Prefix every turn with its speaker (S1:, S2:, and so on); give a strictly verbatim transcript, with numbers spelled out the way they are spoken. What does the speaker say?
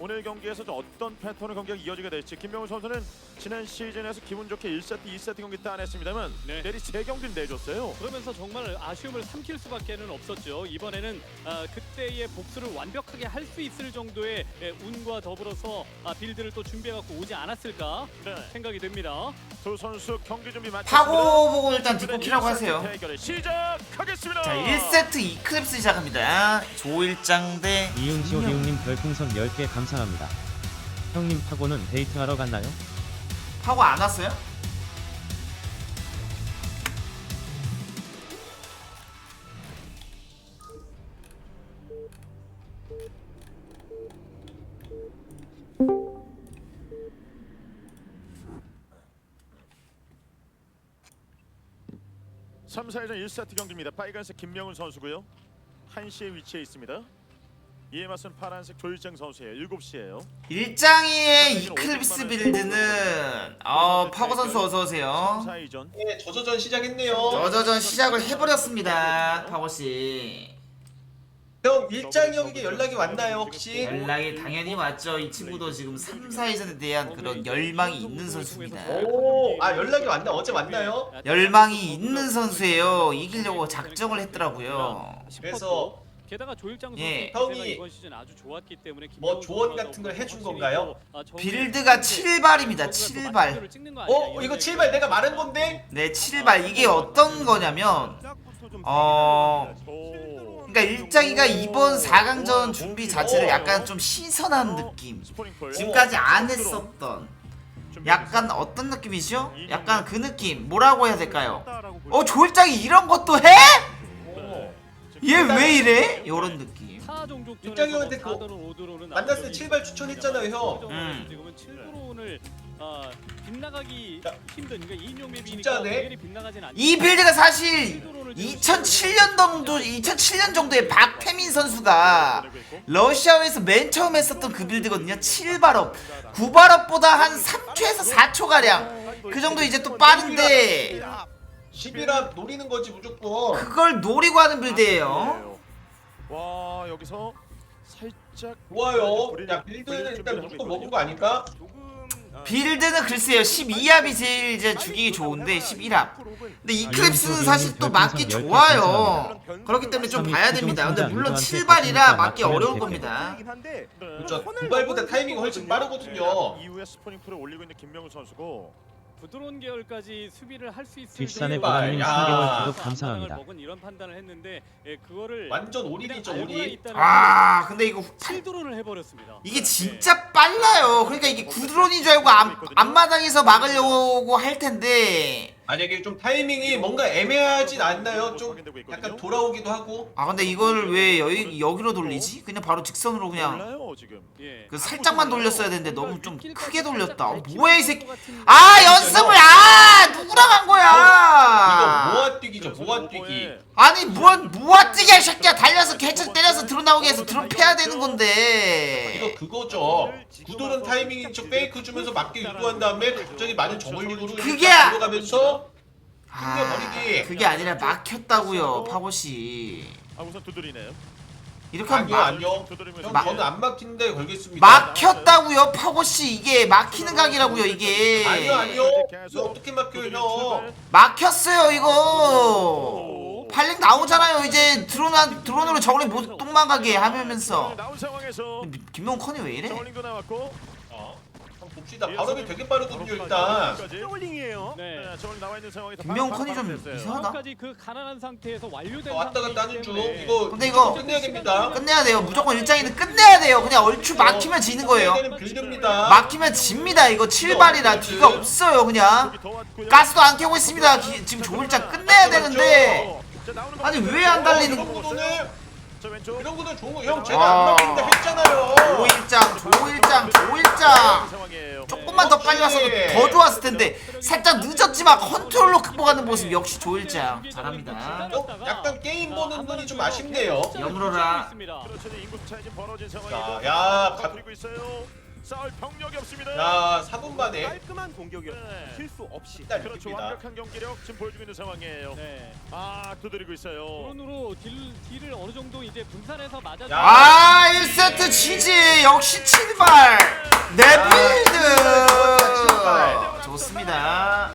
S1: 오늘 경기에서 좀 어떤 패턴의 경기가 이어지게 될지. 김명훈 선수는 지난 시즌에서 기분 좋게 일 세트, 이 세트 경기 따냈습니다만
S2: 네.
S1: 내리 세 경기를 내줬어요.
S2: 그러면서 정말 아쉬움을 삼킬 수밖에는 없었죠. 이번에는 아, 그때의 복수를 완벽하게 할 수 있을 정도의 예, 운과 더불어서 아, 빌드를 또 준비해갖고 오지 않았을까
S1: 네.
S2: 생각이 듭니다.
S1: 두 선수 경기 준비 마쳤습니다.
S3: 파고 보고 일단 뒷코키라고 하세요.
S1: 대결을 시작하겠습니다.
S3: 자, 일 세트 이클립스 시작합니다. 조일장 대
S4: 이응지오
S3: 김명.
S4: 비웅님 별풍선 열 개 감사합니다. 형님 파고는 데이트하러 갔나요?
S3: 파고 안 왔어요?
S1: 삼, 사회전 일 세트 경기입니다. 빨간색 김명훈 선수고요. 한 시에 위치해 있습니다. 이에 맞선 파란색 조일장 선수예요. 일곱 시예요.
S3: 일장이의 이클립스 빌드는 어 파고 선수 어서 오세요.
S1: 삼, 사회전.
S5: 네, 저저전 시작했네요.
S3: 저저전 시작을 해버렸습니다. 파고 씨.
S5: 형 일장이 형에게 연락이 왔나요 혹시?
S3: 연락이 당연히 왔죠. 이 친구도 지금 삼, 사회전에 대한 그런 열망이 있는 선수입니다.
S5: 오, 아 연락이 왔나? 어제 왔나요?
S3: 열망이 있는 선수예요. 이기려고 작정을 했더라고요.
S5: 그래서
S2: 게다가 조일장 선수
S3: 예.
S5: 형이
S2: 이번 시즌 아주 좋았기 때문에
S5: 뭐
S2: 김명훈
S5: 조언
S2: 선수가
S5: 같은 걸 해준
S2: 확실히
S5: 건가요?
S2: 또, 아, 정리-
S3: 빌드가 칠 발입니다. 칠 발.
S5: 어 이거 칠 발 내가 말한 건데?
S3: 네, 칠 발. 이게 어떤 거냐면 어 그러니까 일장이가 이번 사 강전 준비 자체를 약간 좀 신선한 느낌. 지금까지 안 했었던 약간 어떤 느낌이죠? 약간 그 느낌. 뭐라고 해야 될까요? 어, 조일장이 이런 것도 해? 얘 왜 이래? 요런 느낌.
S5: 일장이 형한테 그 만났을 때 칠 발 추천했잖아요 형.
S3: 음.
S2: 지금은 칠 드론을 아, 빗나가기
S5: 야,
S2: 힘든 그러니까 이인용 맵이니까
S5: 진짜네?
S2: 당연히 빗나가진 않.
S3: 이 빌드가 사실 이천칠 년 정도 이천칠 년 정도에 박태민 선수가 러시아에서 맨 처음 했었던 그 빌드거든요. 칠 발업. 구 발업보다 한 삼 초에서 사 초 가량. 그 정도 이제 또 빠른데
S5: 십이랍 노리는 거지 무조건.
S3: 그걸 노리고 하는 빌드예요.
S1: 와, 여기서 살짝
S5: 좋아요. 야 빌드는 일단 무조건 먹은 거 아닐까?
S3: 빌드는 글쎄요. 십이 합이 제일 이제 죽이기 좋은데 십일 합. 근데 이클립스는 사실 또 맞기 좋아요. 그렇기 때문에 좀 봐야 됩니다. 근데 물론 칠 발이라 맞기 어려울 겁니다.
S5: 그렇죠. 두 발보다 타이밍이 훨씬 빠르거든요.
S1: 이후에 스포닝 풀을 올리고 있는 김명훈 선수고.
S2: 부드러운 계열까지 수비를 할 수 있을
S4: 뒷산의
S5: 정도의
S4: 보람님
S5: 야.
S4: 삼 개월
S2: 앞마당을
S4: 구독 감사합니다.
S2: 먹은 이런 판단을 했는데 예, 그거를
S5: 완전 올인이죠 올인.
S3: 아, 근데 이거
S2: 칠 드론을 해버렸습니다.
S3: 이게 진짜 빨라요. 그러니까 이게 구드론인 줄 알고 앞, 앞마당에서 막으려고 할 텐데.
S5: 만약에 좀 타이밍이 뭔가 애매하진 않나요? 좀 약간 돌아오기도 하고.
S3: 아, 근데 이걸 왜 여기, 여기로 돌리지? 그냥 바로 직선으로 그냥
S1: 몰라요 지금.
S2: 예.
S3: 그 살짝만 돌렸어야 되는데 너무 좀 크게 돌렸다. 어, 뭐야 이 새끼. 아, 연습을 아 누구랑 한
S5: 이거
S3: 거야?
S5: 모아뛰기죠 모아뛰기.
S3: 아니 뭔 모아뛰기야 이 새끼야. 달려서 개척 때려서 드론 나오게 해서 드론 패야 되는 건데.
S5: 이거 그거죠. 구도는 타이밍인 척 페이크 주면서 맞게 유도한 다음에 갑자기 많은 정글링으로
S3: 그게
S5: 들어가면서
S3: 아,
S5: 튕겨버리기.
S3: 그게 아니라 막혔다고요, 파고씨.
S1: 아, 우선 두드리네요.
S3: 이렇게 하면
S5: 아니요
S3: 막,
S5: 아니요.
S1: 두드리면서
S5: 형
S3: 마-
S5: 저는 안 막힌 데 걸겠습니다.
S3: 막혔다고요, 파고씨. 이게 막히는 각이라고요, 이게.
S5: 아니요 아니요. 이거 어떻게 막혀요 형?
S3: 막혔어요, 이거. 팔링 나오잖아요, 이제. 드론, 한- 드론으로 저걸링 못 똥망가게 하면서.
S1: 나온 상황에서
S3: 김명훈 컨이 왜 이래?
S1: 저울링도 나왔고.
S5: 어. 한번 봅시다. 발업이 되게 빠르거든요 일단.
S1: 저울링이에요.
S2: 네.
S1: 네, 저울링 나와 있는 상황에서
S3: 김명훈
S1: 바로
S3: 컨이 좀
S1: 됐어요.
S3: 이상하다.
S2: 까지 그 가난한 상태에서 완료된
S5: 왔다 갔다 하는 중.
S2: 상태이기
S5: 이거
S3: 근데 이거
S5: 끝내야 됩니다.
S3: 끝내야 돼요. 무조건 일장이는 끝내야 돼요. 그냥 얼추 막히면 지는 거예요.
S5: 끝내야 되는 빌드입니다.
S3: 막히면 집니다. 이거 칠 발이라 뒤가 없어요, 그냥.
S1: 여기 더 왔고요.
S3: 가스도 안 켜고 있습니다. 기- 지금 조일장 끝내야 되는데.
S1: 자, 나오는
S3: 아니,
S1: 거
S3: 왜 안 달리는
S5: 이런 구도는
S1: 자, 왼쪽.
S5: 이런 구도 좋은 거. 형 제가
S3: 아.
S5: 안 막힌다 했잖아요.
S3: 조일장, 조일장, 조일장.
S1: 상황이에요.
S3: 조금만 더 빨리 왔어도 더 좋았을 텐데 살짝 늦었지만 컨트롤로 극복하는 모습 역시 조일장 잘합니다.
S5: 어? 약간 게임 보는 눈이 좀 아쉽네요.
S3: 여물어라.
S1: 그렇죠. 인구 차이 지금 벌어진
S5: 자,
S1: 상황이고.
S5: 야, 가-
S1: 그리고 있어요. 싸울 병력이 없습니다.
S5: 자 사 분 만에
S6: 깔끔한 공격이었어요.
S1: 네.
S6: 실수 없이.
S5: 일단
S1: 그렇죠.
S5: 이깁니다.
S1: 완벽한 경기력 지금 보여주고 있는 상황이에요.
S2: 네.
S1: 아 두드리고 있어요.
S2: 드론으로 딜, 딜을 어느 정도 이제 분산해서 맞아.
S5: 야.
S3: 아 일 세트 지지 역시 칠발 내 빌드
S5: 칠발.
S3: 좋습니다.